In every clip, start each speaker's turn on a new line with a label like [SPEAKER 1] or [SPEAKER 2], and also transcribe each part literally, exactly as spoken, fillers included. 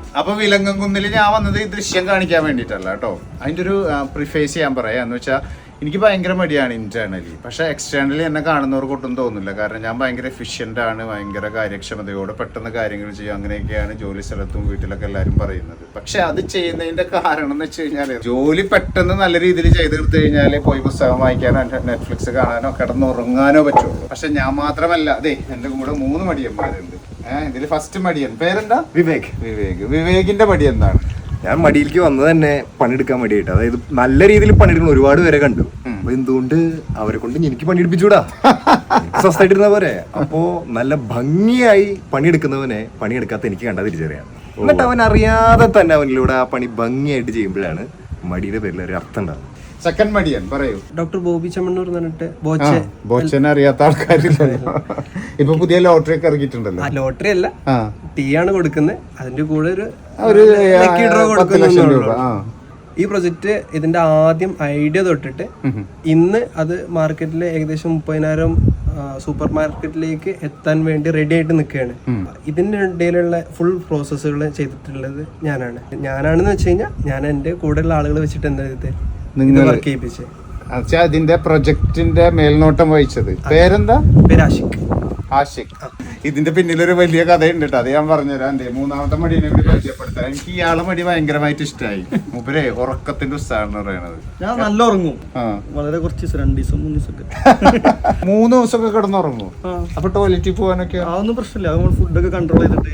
[SPEAKER 1] അപ്പൊ വിലങ്ങൻകുന്നിൽ ഞാൻ വന്നത് ഈ ദൃശ്യം കാണിക്കാൻ വേണ്ടിയിട്ടല്ല കേട്ടോ. അതിൻ്റെ ഒരു പ്രിഫേസ് ചെയ്യാൻ പറയാം എന്ന് വെച്ചാൽ എനിക്ക് ഭയങ്കര മടിയാണ് ഇന്റേണലി. പക്ഷെ എക്സ്റ്റേണലി എന്നെ കാണുന്നവർക്ക് ഒട്ടും തോന്നില്ല. കാരണം ഞാൻ ഭയങ്കര എഫിഷ്യൻ്റ് ആണ്, ഭയങ്കര കാര്യക്ഷമതയോടെ പെട്ടെന്ന് കാര്യങ്ങൾ ചെയ്യും, അങ്ങനെയൊക്കെയാണ് ജോലി സ്ഥലത്തും വീട്ടിലൊക്കെ എല്ലാവരും പറയുന്നത്. പക്ഷെ അത് ചെയ്യുന്നതിന്റെ കാരണം എന്ന് വെച്ച് കഴിഞ്ഞാൽ ജോലി പെട്ടെന്ന് നല്ല രീതിയിൽ ചെയ്ത് തീർത്ത് കഴിഞ്ഞാൽ പോയി പുസ്തകം വായിക്കാനോ നെറ്റ്ഫ്ലിക്സ് കാണാനോ കിടന്നുറങ്ങാനോ പറ്റുള്ളൂ. പക്ഷെ ഞാൻ മാത്രമല്ല, അതെ എന്റെ കൂടെ മൂന്ന് മടിയന്മാരുണ്ട്. ഏഹ് ഇതിൽ ഫസ്റ്റ് മടിയൻ പേരെന്താ?
[SPEAKER 2] വിവേക്.
[SPEAKER 1] വിവേക് വിവേകിന്റെ മടി എന്താണ്?
[SPEAKER 2] ഞാൻ മടിയിലേക്ക് വന്നത് തന്നെ പണിയെടുക്കാൻ മടിയായിട്ട്. അതായത് നല്ല രീതിയിൽ പണിയെടുക്കുന്ന ഒരുപാട് പേരെ കണ്ടു. അപ്പൊ എന്തുകൊണ്ട് അവരെ കൊണ്ട് എനിക്ക് പണിയെടുപ്പിച്ചൂടാ? സ്വസ്ഥമായിട്ടിരുന്ന പോരെ. അപ്പോ നല്ല ഭംഗിയായി പണിയെടുക്കുന്നവനെ പണിയെടുക്കാത്ത എനിക്ക് കണ്ടാ തിരിച്ചറിയാം. എന്നിട്ട് അവൻ അറിയാതെ തന്നെ അവനിലൂടെ ആ പണി ഭംഗിയായിട്ട് ചെയ്യുമ്പോഴാണ് മടിയുടെ പേരിൽ ഒരു അർത്ഥം ഉണ്ടാവും.
[SPEAKER 1] സെക്കൻഡ് മടിയൻ പറയൂ.
[SPEAKER 3] ഡോക്ടർ ബോബി ചെമ്മണ്ണൂർ പറഞ്ഞിട്ട്
[SPEAKER 1] ബോച്ചനെ അറിയാത്ത ആൾക്കാരില്ലല്ലോ. ഇപ്പൊ പുതിയ ലോട്ടറി ഒക്കെ ഇറങ്ങിയിട്ടുണ്ടല്ലോ.
[SPEAKER 3] ലോട്ടറി അല്ല, ടീ ആണ് കൊടുക്കുന്നത്. അതിന്റെ കൂടെ ഒരു
[SPEAKER 1] ഡ്രോ കൊടുക്കുന്നു.
[SPEAKER 3] ഈ പ്രൊജക്ട് ഇതിന്റെ ആദ്യം ഐഡിയ തൊട്ടിട്ട് ഇന്ന് അത് മാർക്കറ്റിൽ ഏകദേശം മുപ്പതിനായിരം സൂപ്പർ മാർക്കറ്റിലേക്ക് എത്താൻ വേണ്ടി റെഡി ആയിട്ട് നിൽക്കുകയാണ്. ഇതിന്റെ ഇടയിലുള്ള ഫുൾ പ്രോസസ്സുകൾ ചെയ്തിട്ടുള്ളത് ഞാനാണ്. ഞാനാണെന്ന് വെച്ച് കഴിഞ്ഞാൽ ഞാൻ എന്റെ കൂടെയുള്ള ആളുകൾ വെച്ചിട്ട് എന്താ ഇത് വർക്ക് ചെയ്യിപ്പിച്ചത്.
[SPEAKER 1] അതിന്റെ പ്രൊജക്ടിന്റെ മേൽനോട്ടം വഹിച്ചത് പേരെന്താ?
[SPEAKER 3] പേര് ആഷിഖ്.
[SPEAKER 1] ആഷിഖ്. ഇതിന്റെ പിന്നിലൊരു വലിയ കഥയുണ്ട് കേട്ടോ, അത് ഞാൻ പറഞ്ഞുതരാം. എന്റെ മൂന്നാമത്തെ മടിയെ കൂടി പരിചയപ്പെടുത്താൻ. എനിക്ക് ഇയാളെ മടി ഭയങ്കരമായിട്ട് ഇഷ്ടമായി. മുപ്പരേ ഉറക്കത്തിന്റെ ഉത്സാഹം പറയണത്.
[SPEAKER 4] ഞാൻ നല്ല ഉറങ്ങും, വളരെ കുറച്ച് ദിവസം, രണ്ടു ദിവസം മൂന്ന് ദിവസമൊക്കെ
[SPEAKER 1] മൂന്ന് ദിവസമൊക്കെ കിടന്നുറങ്ങും. അപ്പൊ ടോയ്ലറ്റിൽ പോകാനൊക്കെ
[SPEAKER 4] അതൊന്നും പ്രശ്നമില്ല. നമ്മൾ ഫുഡൊക്കെ കൺട്രോൾ ചെയ്തിട്ട്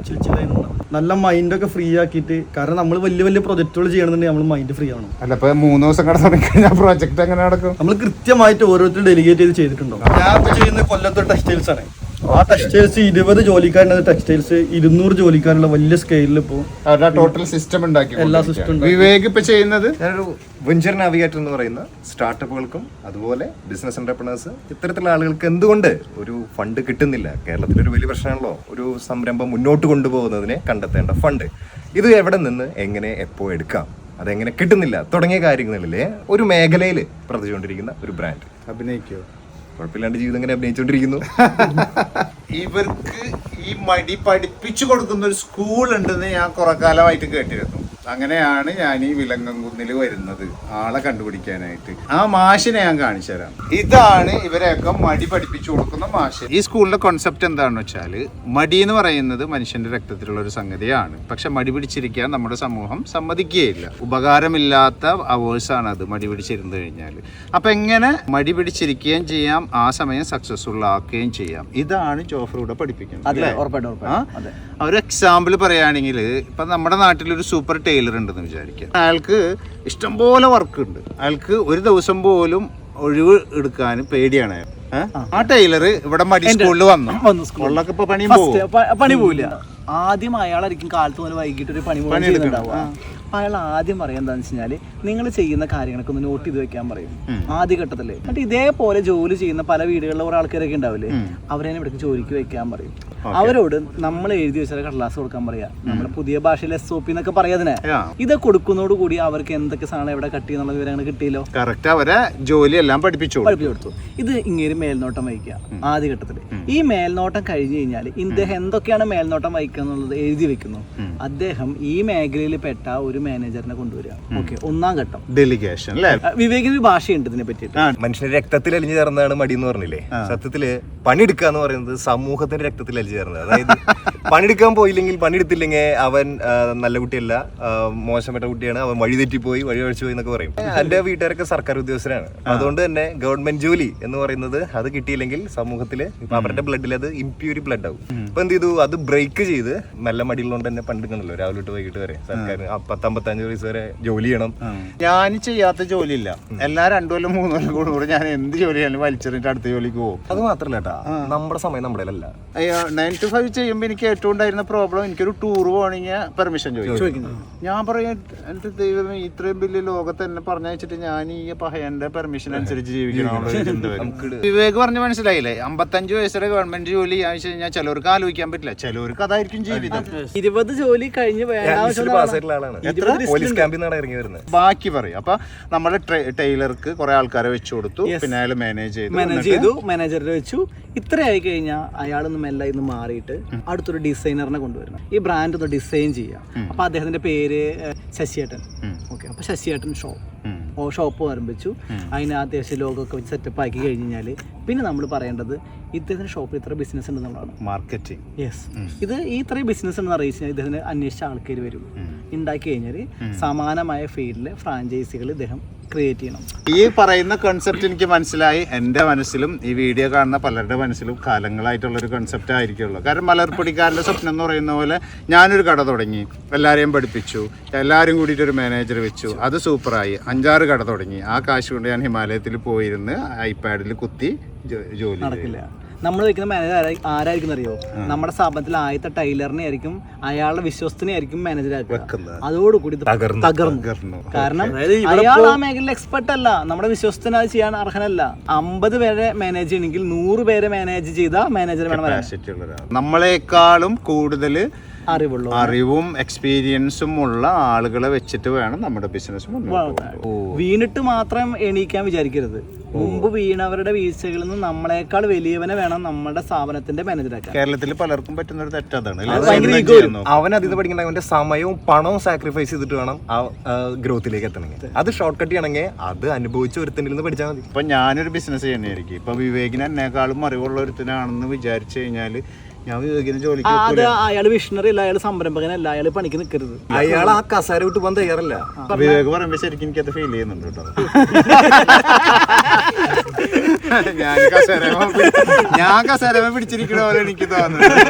[SPEAKER 4] നല്ല മൈൻഡൊക്കെ ഫ്രീ ആക്കിയിട്ട്. കാരണം നമ്മൾ വലിയ വലിയ പ്രൊജക്ടുകൾ ചെയ്യണമെന്നുണ്ടെങ്കിൽ നമ്മൾ മൈൻഡ് ഫ്രീ ആവണം.
[SPEAKER 1] അല്ല ഇപ്പൊ മൂന്ന് ദിവസം കിടന്നുറങ്ങിക്കഴിഞ്ഞാൽ പ്രോജക്ട് എങ്ങനെ നടക്കും?
[SPEAKER 4] നമ്മൾ കൃത്യമായിട്ട് ഓരോരുത്തരും ഡെലിഗേറ്റ് ചെയ്ത് ചെയ്തിട്ടുണ്ടോ. ഞാൻ ഇപ്പൊ ചെയ്യുന്ന കൊല്ലത്തെ ടെക്സ്റ്റൈൽസ് ആണ്. ആ ടെക്സ്റ്റൈൽസ് ഇരുപത് ജോലിക്കാരുണ്ട്. ടെക്സ്റ്റൈൽസ് ഇരുന്നൂറ് ജോലിക്കാരുള്ള വലിയ സ്കെയിലിൽ ഇപ്പോ
[SPEAKER 1] ടോട്ടൽ സിസ്റ്റം ഉണ്ടാക്കി
[SPEAKER 4] എല്ലാ സിസ്റ്റം.
[SPEAKER 1] വിവേക് ഇപ്പൊ ചെയ്യുന്നത്
[SPEAKER 2] ഞാനൊരു വെഞ്ചർ നാവിഗേറ്റർ എന്ന് പറയുന്ന സ്റ്റാർട്ടപ്പുകൾക്കും അതുപോലെ ബിസിനസ് എന്റർപ്രണേഴ്സ് ഇത്തരത്തിലുള്ള ആളുകൾക്ക് എന്തുകൊണ്ട് ഒരു ഫണ്ട് കിട്ടുന്നില്ല? കേരളത്തിലൊരു വലിയ പ്രശ്നമാണല്ലോ ഒരു സംരംഭം മുന്നോട്ട് കൊണ്ടുപോകുന്നതിനെ കണ്ടെത്തേണ്ട ഫണ്ട്. ഇത് എവിടെ നിന്ന് എങ്ങനെ എപ്പോ എടുക്കാം, അതെങ്ങനെ കിട്ടുന്നില്ല തുടങ്ങിയ കാര്യങ്ങളിലെ ഒരു മേഖലയിൽ പ്രവർത്തിച്ചുകൊണ്ടിരിക്കുന്ന ഒരു ബ്രാൻഡ്.
[SPEAKER 1] അഭിനയിക്കോ?
[SPEAKER 2] കുഴപ്പമില്ലാണ്ട് ജീവിതം ഇങ്ങനെ അഭിനയിച്ചുകൊണ്ടിരിക്കുന്നു.
[SPEAKER 1] ഇവർക്ക് ഈ മടി പഠിപ്പിച്ചു കൊടുക്കുന്ന ഒരു സ്കൂൾ ഉണ്ടെന്ന് ഞാൻ കുറെ കാലമായിട്ട് കേട്ടിരുന്നു. അങ്ങനെയാണ് ഞാൻ ഈ വിലങ്ങൻകുന്നിൽ വരുന്നത് ആളെ കണ്ടുപിടിക്കാനായിട്ട്. ആ മാഷിനെ ഞാൻ കാണിച്ചു തരാം. ഇതാണ് ഇവരെയൊക്കെ മടി പഠിപ്പിച്ചു കൊടുക്കുന്ന മാഷ്. ഈ സ്കൂളിന്റെ കോൺസെപ്റ്റ് എന്താണെന്ന് വെച്ചാൽ, മടി എന്ന് പറയുന്നത് മനുഷ്യന്റെ രക്തത്തിലുള്ള ഒരു സംഗതിയാണ്. പക്ഷെ മടി പിടിച്ചിരിക്കാൻ നമ്മുടെ സമൂഹം സമ്മതിക്കുകയില്ല. ഉപകാരമില്ലാത്ത അവേഴ്സാണ് അത് മടി പിടിച്ചിരുന്നു കഴിഞ്ഞാൽ. അപ്പൊ എങ്ങനെ മടി പിടിച്ചിരിക്കുകയും ചെയ്യാം, ആ സമയം സക്സസ്ഫുൾ ആക്കുകയും ചെയ്യാം. ഇതാണ് ജോഫറൂടെ പഠിപ്പിക്കുന്നത്. ഒരു എക്സാമ്പിൾ പറയുകയാണെങ്കിൽ, ഇപ്പൊ നമ്മുടെ നാട്ടിലൊരു സൂപ്പർ ടൈലർ ഉണ്ടെന്ന് വിചാരിക്കുക. അയാൾക്ക് ഇഷ്ടംപോലെ വർക്ക് ഉണ്ട്. അയാൾക്ക് ഒരു ദിവസം പോലും ഒഴിവ് എടുക്കാൻ പേടിയാണ് അയാൾ. ആ ടൈലർ ഇവിടെ മടി സ്കൂളിൽ വന്നു സ്കൂളിലൊക്കെ ഇപ്പൊ പണിയും
[SPEAKER 5] പണി പോവില്ല. ആദ്യം അയാളായിരിക്കും കാലത്ത് മുതൽ വൈകിട്ട് ഒരു പണി ചെയ്യുന്നുണ്ടാവുക. അയാൾ ആദ്യം പറയാൻ എന്താണെന്ന് വെച്ച് കഴിഞ്ഞാൽ, നിങ്ങൾ ചെയ്യുന്ന കാര്യങ്ങളൊക്കെ ഒന്ന് നോട്ട് ചെയ്ത് വെക്കാൻ പറയും ആദ്യഘട്ടത്തില്. എന്നിട്ട് ഇതേപോലെ ജോലി ചെയ്യുന്ന പല വീടുകളിലെ കുറെ ആൾക്കാരൊക്കെ ഉണ്ടാവില്ലേ, അവരെ ഇവിടേക്ക് ജോലിക്ക് വെക്കാൻ പറയും. അവരോട് നമ്മൾ എഴുതി വെച്ചാൽ കടലാസ് കൊടുക്കാൻ പറയാ. നമ്മുടെ പുതിയ ഭാഷയിൽ എസ് ഒ പി എന്നൊക്കെ പറയാതിനെ. ഇത് കൊടുക്കുന്നതോട് കൂടി അവർക്ക് എന്തൊക്കെ സാധനം എവിടെ കട്ടി എന്നുള്ള വിവരങ്ങൾ കിട്ടിയല്ലോ.
[SPEAKER 1] കറക്റ്റ് അവരെ ജോലിയെല്ലാം പഠിപ്പിച്ചു
[SPEAKER 5] പഠിപ്പിച്ചു കൊടുത്തു. ഇത് ഇങ്ങനെ മേൽനോട്ടം വഹിക്കുക ആദ്യഘട്ടത്തില്. ഈ മേൽനോട്ടം കഴിഞ്ഞു കഴിഞ്ഞാൽ ഇദ്ദേഹം എന്തൊക്കെയാണ് മേൽനോട്ടം വഹിക്കുക എന്നുള്ളത് എഴുതി വെക്കുന്നു. അദ്ദേഹം ഈ മേഖലയിൽ പെട്ട ഒരു മാനേജറിനെ കൊണ്ടുവരിക. ഓക്കെ, ഒന്നാം ഘട്ടം
[SPEAKER 1] ഡെലിഗേഷൻ.
[SPEAKER 5] വിവേകിന് ഒരു ഭാഷയുണ്ട് ഇതിനെ പറ്റിയിട്ട്.
[SPEAKER 2] മനുഷ്യന്റെ രക്തത്തിൽ അലിഞ്ഞു ചേർന്നതാണ് മടി എന്ന് പറഞ്ഞില്ലേ. സത്യത്തില് പണിയെടുക്കുക എന്ന് പറയുന്നത് സമൂഹത്തിന്റെ രക്തത്തിൽ അലിഞ്ഞു ചേർന്നത്. അതായത് പണിയെടുക്കാൻ പോയില്ലെങ്കിൽ, പണിയെടുത്തില്ലെങ്കിൽ അവൻ നല്ല കുട്ടിയല്ല, മോശപ്പെട്ട കുട്ടിയാണ്, അവൻ വഴി തെറ്റിപ്പോയി, വഴി കഴിച്ചു പോയി എന്നൊക്കെ പറയും. എന്റെ വീട്ടുകാരൊക്കെ സർക്കാർ ഉദ്യോഗസ്ഥരാണ്. അതുകൊണ്ട് തന്നെ ഗവൺമെന്റ് ജോലി എന്ന് പറയുന്നത് അത് കിട്ടിയില്ലെങ്കിൽ സമൂഹത്തില് അവരുടെ ബ്ലഡിൽ അത് ഇംപ്യൂരി ബ്ലഡ് ആവും. അപ്പൊ എന്ത് ചെയ്തു, അത് ബ്രേക്ക് ചെയ്ത് നല്ല മടിയുള്ളതുകൊണ്ട് തന്നെ പണ്ടെടുക്കണല്ലോ രാവിലെ തൊട്ട് വൈകിട്ട് വരെ സർക്കാർ പത്തമ്പത്തഞ്ച് വയസ്സ് വരെ ജോലി ചെയ്യണം.
[SPEAKER 1] ഞാൻ ചെയ്യാത്ത ജോലിയില്ല. എല്ലാ രണ്ടു കൊല്ലം മൂന്ന് കൊല്ലം കൂടുമ്പോൾ ഞാൻ എന്ത് ജോലി ചെയ്യാനും വലിച്ചെറിഞ്ഞിട്ട് അടുത്ത ജോലിക്ക് പോകും.
[SPEAKER 2] അത് മാത്രല്ല കേട്ടാ, നമ്മുടെ സമയം നമ്മുടെ അല്ല.
[SPEAKER 1] നയൻ ടു ഫൈവ് ചെയ്യുമ്പോൾ എനിക്ക് ഏറ്റവും ഉണ്ടായിരുന്ന പ്രോബ്ലം, എനിക്കൊരു ടൂർ പോകണമെങ്കിൽ പെർമിഷൻ ചോദിക്കും. ഞാൻ പറയാം, എന്റെ ദൈവമേ, ഇത്രയും വലിയ ലോകത്ത് എന്നെ പറഞ്ഞയച്ചിട്ട് ഞാൻ ഈ പഹയന്റെ പെർമിഷൻ അനുസരിച്ച് ജീവിക്കണം. വിവേക് പറഞ്ഞ് മനസ്സിലായില്ലേ, അമ്പത്തഞ്ച് വയസ്സുടെ ഗവൺമെന്റ് ജോലി ആവശ്യം കഴിഞ്ഞാൽ ചിലവർക്ക് ആലോചിക്കാൻ പറ്റില്ല, ചിലവർക്ക് അതായിരിക്കും ആയിരിക്കും ജീവിതം.
[SPEAKER 5] ഇരുപത് ജോലി കഴിഞ്ഞ്
[SPEAKER 2] പാസ്സായിട്ടുള്ള ആളാണ്, പോലീസ് ക്യാമ്പിൽ നിന്നാണ് ഇറങ്ങി വരുന്നത്.
[SPEAKER 1] ബാക്കി പറയും. അപ്പൊ നമ്മുടെ ടൈലർക്ക് കുറെ ആൾക്കാരെ വെച്ചു കൊടുത്തു, പിന്നെ അയാൾ മാനേജ് ചെയ്തു
[SPEAKER 5] മാനേജ് ചെയ്തു മാനേജറിനെ വെച്ചു. ഇത്രയായി കഴിഞ്ഞാൽ അയാളൊന്ന് മെല്ലെ ഇന്ന് മാറിയിട്ട് അടുത്തൊരു ഡിസൈനറിനെ കൊണ്ടുവരണം, ഈ ബ്രാൻഡ് ഒന്ന് ഡിസൈൻ ചെയ്യാം. അപ്പൊ അദ്ദേഹത്തിന്റെ പേര് ശശിയേട്ടൻ. ഓക്കെ, അപ്പൊ ശശിയേട്ടൻ ഷോ ഓ ഷോപ്പ് ആരംഭിച്ചു. അതിന് അത്യാവശ്യം ലോഗോ ഒക്കെ വെച്ച് സെറ്റപ്പ് ആക്കി കഴിഞ്ഞാൽ പിന്നെ നമ്മൾ പറയേണ്ടത് ഇദ്ദേഹത്തിന്റെ ഷോപ്പിൽ ഇത്ര ബിസിനസ് ഉണ്ടെന്നുള്ളതാണ്.
[SPEAKER 1] മാർക്കറ്റിംഗ്.
[SPEAKER 5] യെസ്, ഇത് ഈ ഇത്രയും ബിസിനസ് ഉണ്ടെന്ന് അറിയിച്ചു കഴിഞ്ഞാൽ ഇദ്ദേഹത്തിന് അന്വേഷിച്ച ആൾക്കാർ വരും. ഉണ്ടാക്കി കഴിഞ്ഞാൽ സമാനമായ ഫീൽഡിലെ ഫ്രാഞ്ചൈസികൾ ഇദ്ദേഹം ക്രിയേറ്റ് ചെയ്യണം.
[SPEAKER 1] ഈ പറയുന്ന കൺസെപ്റ്റ് എനിക്ക് മനസ്സിലായി. എൻ്റെ മനസ്സിലും ഈ വീഡിയോ കാണുന്ന പലരുടെ മനസ്സിലും കാലങ്ങളായിട്ടുള്ളൊരു കൺസെപ്റ്റ് ആയിരിക്കുള്ളൂ. കാരണം മലർപ്പൊടിക്കാരൻ്റെ സ്വപ്നം എന്ന് പറയുന്ന പോലെ ഞാനൊരു കട തുടങ്ങി, എല്ലാവരെയും പഠിപ്പിച്ചു, എല്ലാവരും കൂടിയിട്ട് ഒരു മാനേജർ വെച്ചു, അത് സൂപ്പറായി, അഞ്ചാറ് കട തുടങ്ങി. ആ കാശ് കൊണ്ട് ഞാൻ ഹിമാലയത്തിൽ പോയിരുന്ന് ഐപാഡിൽ കുത്തി ജോലി
[SPEAKER 5] നടക്കില്ല. നമ്മൾ വെക്കുന്ന മാനേജർ ആരായിരിക്കും അറിയോ? നമ്മുടെ സ്ഥാപനത്തിൽ ആദ്യത്തെ ടൈലറിനെ ആയിരിക്കും, അയാളുടെ വിശ്വസ്തനെ ആയിരിക്കും മാനേജർ ആക്കുക. അതോടുകൂടി തകർന്നു. കാരണം അയാൾ ആ മേഖലയിൽ എക്സ്പെർട്ട് അല്ല, നമ്മുടെ വിശ്വസ്തന അത് ചെയ്യാൻ അർഹനല്ല. അമ്പത് പേരെ മാനേജ് ചെയ്യണമെങ്കിൽ നൂറ് പേരെ മാനേജ് ചെയ്ത മാനേജർ വേണം.
[SPEAKER 1] നമ്മളെക്കാളും കൂടുതൽ
[SPEAKER 5] അറിവുള്ള
[SPEAKER 1] അറിവും എക്സ്പീരിയൻസും ഉള്ള ആളുകളെ വെച്ചിട്ട് വേണം നമ്മുടെ ബിസിനസ്
[SPEAKER 5] വീണിട്ട് മാത്രം എണീക്കാൻ വിചാരിക്കരുത്. മുമ്പ് വീണവരുടെ വീഴ്ചകളിൽ നിന്ന് നമ്മളെക്കാൾ വലിയവനെ വേണം നമ്മുടെ സ്ഥാപനത്തിന്റെ മാനേജറാക്കാൻ.
[SPEAKER 1] കേരളത്തിൽ പലർക്കും പറ്റുന്ന ഒരു തെറ്റതാണ്.
[SPEAKER 2] അവൻ അതിൽ പഠിക്കണമെങ്കിൽ അവന്റെ സമയവും പണവും സാക്രിഫൈസ് ചെയ്തിട്ട് വേണം ആ ഗ്രോത്തിലേക്ക് എത്തണമെങ്കിൽ. അത് ഷോർട്ട് കട്ട് ചെയ്യണമെങ്കിൽ അത് അനുഭവിച്ച ഒരുത്തനിൽ നിന്ന് പഠിച്ചാൽ മതി.
[SPEAKER 1] ഇപ്പൊ ഞാനൊരു ബിസിനസ് ചെയ്യുന്നതായിരിക്കും. ഇപ്പൊ വിവേകിന് എന്നെക്കാളും അറിവുള്ള ഒരുത്തനാണെന്ന് വിചാരിച്ചു കഴിഞ്ഞാല് ഞാൻ വിവേകിന് ജോലിക്ക്
[SPEAKER 5] അയാൾ വിഷണറി അല്ല, അയാൾ സംരംഭകനല്ല, അയാൾ പണിക്ക് നിൽക്കരുത്.
[SPEAKER 2] അയാൾ ആ കസാര വിട്ട് പോകാൻ തയ്യാറല്ല.
[SPEAKER 1] വിവേക് പറയുമ്പോ ശരിക്കും എനിക്കത് ഫീൽ ചെയ്യുന്നുണ്ട് കേട്ടോ. ഞാൻ കസേര ഞാൻ കസേര പിടിച്ചിരിക്കണ പോലെ എനിക്ക് തോന്നുന്നു.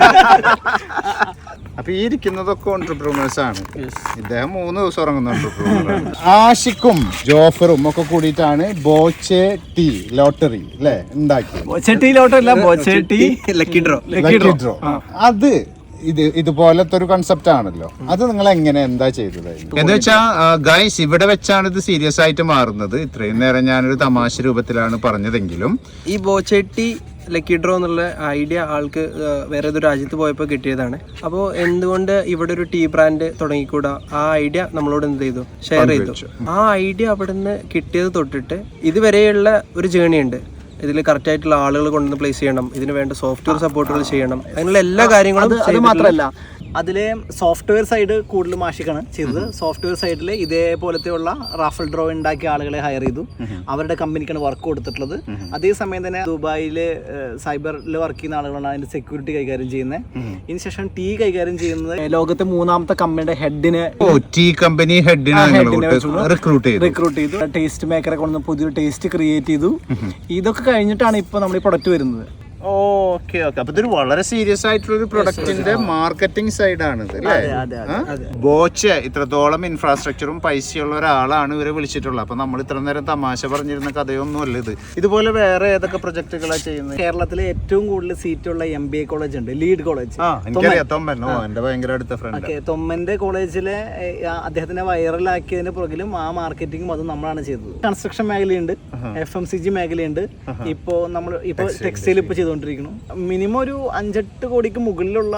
[SPEAKER 1] അപ്പൊ ഈ ഇരിക്കുന്നതൊക്കെ ഓൺട്രപ്രൂണേഴ്സ് ആണ്. ഇദ്ദേഹം മൂന്ന് ദിവസം ഉറങ്ങുന്ന ഓൺട്രപ്രൂണറാണ്. ആഷിക്കും ജോഫറും ഒക്കെ കൂടിയിട്ടാണ് ബോച്ചെ ടീ ലോട്ടറി അല്ലെ ഉണ്ടാക്കിയത്.
[SPEAKER 3] ലക്കി ഡ്രോ
[SPEAKER 1] ഡ്രോ അത് ഇത് ഇതുപോലത്തെ ഒരു കൺസെപ്റ്റ് ആണല്ലോ. അത് നിങ്ങൾ എങ്ങനെ എന്താ ചെയ്തത് എന്ന് വെച്ചാ ഗൈസ്, ഇവിടെ വെച്ചാണ് ഇത് സീരിയസ് ആയിട്ട് മാറുന്നത്. ഇത്രയും നേരം ഞാനൊരു തമാശ രൂപത്തിലാണ് പറഞ്ഞതെങ്കിലും
[SPEAKER 3] ഈ ബോച്ചെട്ടി ലക്കി ഡ്രോ എന്നുള്ള ഐഡിയ ആൾക്ക് വേറെ ഏതൊരു രാജ്യത്ത് പോയപ്പോൾ കിട്ടിയതാണ്. അപ്പോൾ എന്തുകൊണ്ട് ഇവിടെ ഒരു ടീ ബ്രാൻഡ് തുടങ്ങിക്കൂടാ, ആ ഐഡിയ നമ്മളോട് എന്ത് ചെയ്തു, ഷെയർ ചെയ്തു. ആ ഐഡിയ അവിടെ നിന്ന് കിട്ടിയത് തൊട്ടിട്ട് ഇതുവരെയുള്ള ഒരു ജേണി ഉണ്ട്. ഇതിൽ കറക്റ്റ് ആയിട്ടുള്ള ആളുകൾ കൊണ്ടുവന്ന് പ്ലേസ് ചെയ്യണം, ഇതിന് വേണ്ട സോഫ്റ്റ്വെയർ സപ്പോർട്ടുകൾ ചെയ്യണം, അതിനുള്ള എല്ലാ കാര്യങ്ങളും.
[SPEAKER 5] അത് മാത്രമല്ല, അതിലെ സോഫ്റ്റ്വെയർ സൈഡ് കൂടുതൽ മാഷിക്കാണ് ചെയ്തത്. സോഫ്റ്റ്വെയർ സൈഡിൽ ഇതേപോലത്തെ ഉള്ള റാഫൽ ഡ്രോ ഉണ്ടാക്കിയ ആളുകളെ ഹയർ ചെയ്തു. അവരുടെ കമ്പനിക്കാണ് വർക്ക് കൊടുത്തിട്ടുള്ളത്. അതേസമയം തന്നെ ദുബായില് സൈബറിൽ വർക്ക് ചെയ്യുന്ന ആളുകളാണ് അതിന്റെ സെക്യൂരിറ്റി കൈകാര്യം ചെയ്യുന്നത്. ഇതിനുശേഷം ടീ കൈകാര്യം ചെയ്യുന്നത് ലോകത്തെ മൂന്നാമത്തെ കമ്പനിയുടെ ഹെഡിനെ
[SPEAKER 1] ടീ കമ്പനി ഹെഡിനെ റിക്രൂട്ട്
[SPEAKER 5] ചെയ്തു. ടേസ്റ്റ് മേക്കറെ കൊണ്ട് പുതിയൊരു ടേസ്റ്റ് ക്രിയേറ്റ് ചെയ്തു. ഇതൊക്കെ കഴിഞ്ഞിട്ടാണ് ഇപ്പൊ നമ്മൾ ഈ പ്രൊഡക്റ്റ് വരുന്നത്.
[SPEAKER 1] ഓക്കെ ഓക്കെ അപ്പൊ ഇതൊരു വളരെ സീരിയസ് ആയിട്ടുള്ള ഒരു പ്രൊഡക്റ്റിന്റെ മാർക്കറ്റിംഗ് സൈഡാണ് ഇത് അല്ലേ? ബോച്ച ഇത്രത്തോളം ഇൻഫ്രാസ്ട്രക്ചറും പൈസയുള്ള ഒരാളാണ് ഇവരെ വിളിച്ചിട്ടുള്ളത്. അപ്പൊ നമ്മൾ ഇത്ര നേരം തമാശ പറഞ്ഞിരുന്ന കഥയൊന്നും അല്ല ഇത്. ഇതുപോലെ വേറെ ഏതൊക്കെ പ്രൊജക്ടുകളാണ് ചെയ്യുന്നത്?
[SPEAKER 5] കേരളത്തിലെ ഏറ്റവും കൂടുതൽ സീറ്റുള്ള എം ബി എ കോളേജ് ഉണ്ട്, ലീഡ് കോളേജ്.
[SPEAKER 1] എനിക്കറിയാം, തൊമ്മനോ എന്റെ ഭയങ്കര അടുത്ത ഫ്രണ്ട്.
[SPEAKER 5] തൊമ്മന്റെ കോളേജിലെ അദ്ദേഹത്തിനെ വൈറലാക്കിയതിന് പുറകിലും ആ മാർക്കറ്റിംഗും അതും നമ്മളാണ് ചെയ്തത്. കൺസ്ട്രക്ഷൻ മേഖലയുണ്ട്, എഫ് എം സി ജി മേഖലയുണ്ട്. ഇപ്പോ നമ്മൾ ഇപ്പൊ ടെക്സ്റ്റൈൽ ഇപ്പൊ ചെയ്തു. മിനിമം ഒരു അഞ്ചെട്ട് കോടിക്ക് മുകളിലുള്ള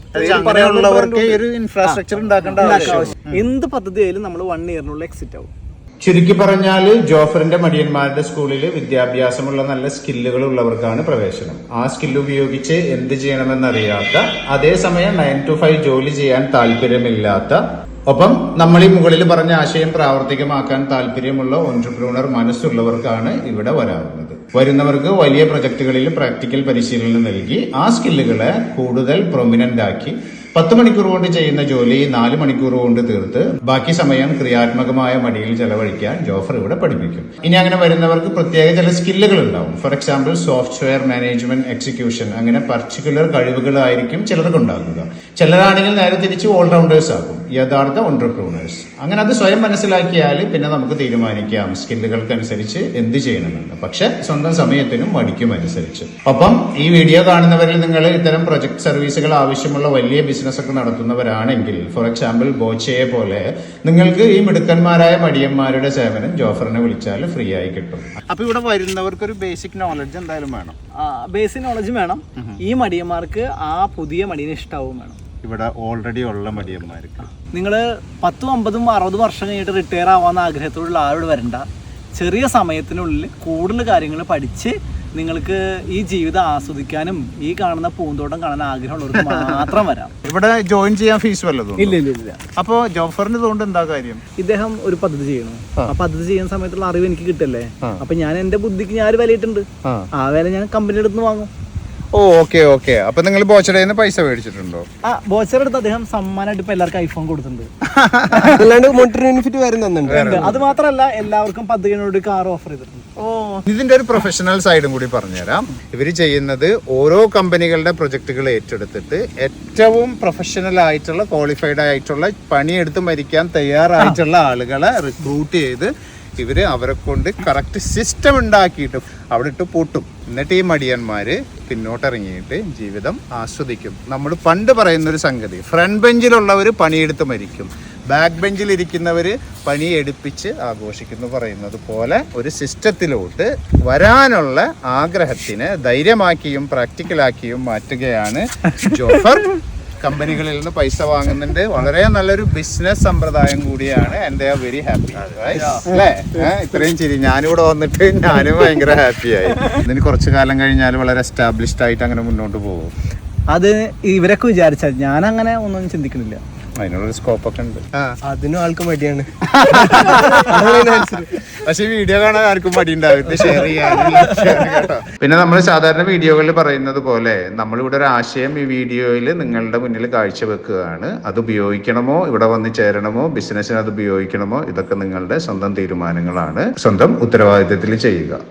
[SPEAKER 1] ഇൻഫ്രാസ്ട്രക്ചർ ഉണ്ടാക്കേണ്ട
[SPEAKER 5] എന്ത് പദ്ധതി ആയാലും നമ്മൾ വൺ ഇയറിനുള്ള എക്സിറ്റ് ആവും.
[SPEAKER 1] ചുരുക്കി പറഞ്ഞാൽ ജോഫറിന്റെ മടിയന്മാരുടെ സ്കൂളിൽ വിദ്യാഭ്യാസമുള്ള നല്ല സ്കില്ലുകൾ ഉള്ളവർക്കാണ് പ്രവേശനം. ആ സ്കില്ല് ഉപയോഗിച്ച് എന്ത് ചെയ്യണമെന്നറിയാത്ത, അതേസമയം നയൻ ടു ഫൈവ് ജോലി ചെയ്യാൻ താല്പര്യമില്ലാത്ത, ഒപ്പം നമ്മൾ ഈ മുകളിൽ പറഞ്ഞ ആശയം പ്രാവർത്തികമാക്കാൻ താല്പര്യമുള്ള ഓൺട്രപ്രൂണർ മനസ്സുള്ളവർക്കാണ് ഇവിടെ വരാറുള്ളത്. വരുന്നവർക്ക് വലിയ പ്രൊജക്ടുകളിൽ പ്രാക്ടിക്കൽ പരിശീലനം നൽകി ആ സ്കില്ലുകളെ കൂടുതൽ പ്രൊമിനന്റ് ആക്കി പത്ത് മണിക്കൂർ കൊണ്ട് ചെയ്യുന്ന ജോലി നാല് മണിക്കൂർ കൊണ്ട് തീർത്ത് ബാക്കി സമയം ക്രിയാത്മകമായ മടിയിൽ ചെലവഴിക്കാൻ ജോഫർ ഇവിടെ പഠിപ്പിക്കും. ഇനി അങ്ങനെ വരുന്നവർക്ക് പ്രത്യേക ചില സ്കില്ലുകൾ ഉണ്ടാവും. For example software management, execution, അങ്ങനെ പർട്ടിക്കുലർ കഴിവുകളായിരിക്കും ചിലർക്ക് ഉണ്ടാക്കുക. ചിലരാണെങ്കിൽ നേരെ തിരിച്ച് ഓൾറൗണ്ടേഴ്സ് ആകും, യഥാർത്ഥ ഓൺട്രപ്രൂണേഴ്സ്. അങ്ങനെ അത് സ്വയം മനസ്സിലാക്കിയാൽ പിന്നെ നമുക്ക് തീരുമാനിക്കാം സ്കില്ലുകൾക്കനുസരിച്ച് എന്ത് ചെയ്യണമെന്ന്. പക്ഷെ സ്വന്തം സമയത്തിനും മടിക്കും അനുസരിച്ച്. ഒപ്പം ഈ വീഡിയോ കാണുന്നവരിൽ നിങ്ങൾ ഇത്തരം പ്രൊജക്ട് സർവീസുകൾ ആവശ്യമുള്ള വലിയ ബിസിനസ് ഒക്കെ നടത്തുന്നവരാണെങ്കിൽ, ഫോർ എക്സാമ്പിൾ ബോച്ചയെ പോലെ, നിങ്ങൾക്ക് ഈ മിടുക്കന്മാരായ മടിയന്മാരുടെ സേവനം ജോഫറിനെ വിളിച്ചാൽ ഫ്രീ ആയി കിട്ടും. അപ്പൊ ഇവിടെ വരുന്നവർക്ക് ഒരു ബേസിക് നോളജ് എന്തായാലും വേണം.
[SPEAKER 5] ബേസിക് നോളജ് വേണം. ഈ മടിയന്മാർക്ക് ആ പുതിയ മടിയനെ ഇഷ്ടാവും വേണം.
[SPEAKER 1] ഇവിടെ ഓൾറെഡി ഉള്ള മടിയന്മാർക്ക്?
[SPEAKER 5] നിങ്ങൾ പത്തും അമ്പതും അറുപതും വർഷം കഴിഞ്ഞിട്ട് റിട്ടയർ ആവാന്ന ആഗ്രഹത്തോടുള്ള ആളോട് വരണ്ട. ചെറിയ സമയത്തിനുള്ളിൽ കൂടുതൽ കാര്യങ്ങൾ പഠിച്ച് നിങ്ങൾക്ക് ഈ ജീവിതം ആസ്വദിക്കാനും ഈ കാണുന്ന പൂന്തോട്ടം കാണാൻ ആഗ്രഹമുള്ളവർക്ക് മാത്രം വരാം.
[SPEAKER 1] ഇവിടെ ജോയിൻ ചെയ്യാൻ ഫീസ് വല്ലതും?
[SPEAKER 5] ഇല്ല ഇല്ല ഇല്ല.
[SPEAKER 1] അപ്പോൾ ജോഫറിന് ഇതുകൊണ്ട് എന്താ കാര്യം?
[SPEAKER 5] ഇദ്ദേഹം ഒരു പദ്ധതി ചെയ്യണം. ആ പദ്ധതി ചെയ്യുന്ന സമയത്തുള്ള അറിവ് എനിക്ക് കിട്ടല്ലേ. അപ്പൊ ഞാൻ എന്റെ ബുദ്ധിക്ക് ഞാൻ ഒരു വിലയിട്ടുണ്ട്. ആ വില ഞാൻ കമ്പനിയുടെ അടുത്ത് വാങ്ങും.
[SPEAKER 1] ഓ ഓക്കെ ഓക്കെ. അപ്പൊ നിങ്ങൾ ബോച്ചടയിൽ നിന്ന് പൈസ മേടിച്ചിട്ടുണ്ടോ?
[SPEAKER 5] ആ ബോച്ചർ എടുത്ത് അദ്ദേഹം സമ്മാനമായിട്ട് ഇപ്പൊ എല്ലാവർക്കും ഐഫോൺ കൊടുത്തിട്ടുണ്ട്.
[SPEAKER 3] അല്ലാണ്ട് മോണിറ്ററി ബെനിഫിറ്റ് വരുന്നുണ്ട്.
[SPEAKER 5] അത് മാത്രമല്ല എല്ലാവർക്കും പദ്ധതിയോട് കാർ ഓഫർ ചെയ്തിട്ടുണ്ട്.
[SPEAKER 1] ഓ, ഇതിന്റെ ഒരു പ്രൊഫഷണൽ സൈഡും കൂടി പറഞ്ഞുതരാം. ഇവര് ചെയ്യുന്നത് ഓരോ കമ്പനികളുടെ പ്രൊജക്ടുകൾ ഏറ്റെടുത്തിട്ട് ഏറ്റവും പ്രൊഫഷണൽ ആയിട്ടുള്ള ക്വാളിഫൈഡ് ആയിട്ടുള്ള പണിയെടുത്ത് മരിക്കാൻ തയ്യാറായിട്ടുള്ള ആളുകളെ റിക്രൂട്ട് ചെയ്ത് ഇവര് അവരെ കൊണ്ട് കറക്റ്റ് സിസ്റ്റം ഉണ്ടാക്കിയിട്ട് അവിടെ ഇട്ട് പൂട്ടും. എന്നിട്ട് ഈ മടിയന്മാര് പിന്നോട്ടിറങ്ങിയിട്ട് ജീവിതം ആസ്വദിക്കും. നമ്മൾ പണ്ട് പറയുന്നൊരു സംഗതി, ഫ്രണ്ട് ബെഞ്ചിലുള്ളവർ പണിയെടുത്ത് മരിക്കും, ബാക്ക് ബെഞ്ചിൽ ഇരിക്കുന്നവർ പണി എടുപ്പിച്ച് ആഘോഷിക്കുന്നു പറയുന്നത് പോലെ ഒരു സിസ്റ്റത്തിലോട്ട് വരാനുള്ള ആഗ്രഹത്തിന് ധൈര്യമാക്കിയും പ്രാക്ടിക്കലാക്കിയും മാറ്റുകയാണ് ജോഫർ. കമ്പനികളിൽ നിന്ന് പൈസ വാങ്ങുന്നുണ്ട്. വളരെ നല്ലൊരു ബിസിനസ് സമ്പ്രദായം കൂടിയാണ്. And I are very happy അല്ലേ? ഇത്രയും ചിരി ഞാനിവിടെ വന്നിട്ട് ഞാനും ഭയങ്കര ഹാപ്പിയായി. ഇതിന് കുറച്ചു കാലം കഴിഞ്ഞാൽ വളരെ എസ്റ്റാബ്ലിഷ്ഡ് ആയിട്ട് അങ്ങനെ മുന്നോട്ട് പോകും.
[SPEAKER 5] അത് ഇവരൊക്കെ വിചാരിച്ചാൽ ഞാൻ അങ്ങനെ ഒന്നും ചിന്തിക്കുന്നില്ല.
[SPEAKER 1] അതിനുള്ളൊരു സ്കോപ്പ് ഒക്കെ ഉണ്ട്.
[SPEAKER 3] അതിനും ആൾക്ക് മടിയാണ്.
[SPEAKER 1] പക്ഷെ വീഡിയോ കാണാൻ ആർക്കും മടി ഉണ്ടാവും, ഷെയർ ചെയ്യാനും കേട്ടോ. പിന്നെ നമ്മൾ സാധാരണ വീഡിയോകളിൽ പറയുന്നത് പോലെ നമ്മളിവിടെ ഒരു ആശയം ഈ വീഡിയോയിൽ നിങ്ങളുടെ മുന്നിൽ കാഴ്ചവെക്കുകയാണ്. അത് ഉപയോഗിക്കണമോ, ഇവിടെ വന്ന് ചേരണമോ, ബിസിനസ്സിന് അത് ഉപയോഗിക്കണമോ, ഇതൊക്കെ നിങ്ങളുടെ സ്വന്തം തീരുമാനങ്ങളാണ്. സ്വന്തം ഉത്തരവാദിത്തത്തിൽ ചെയ്യുക.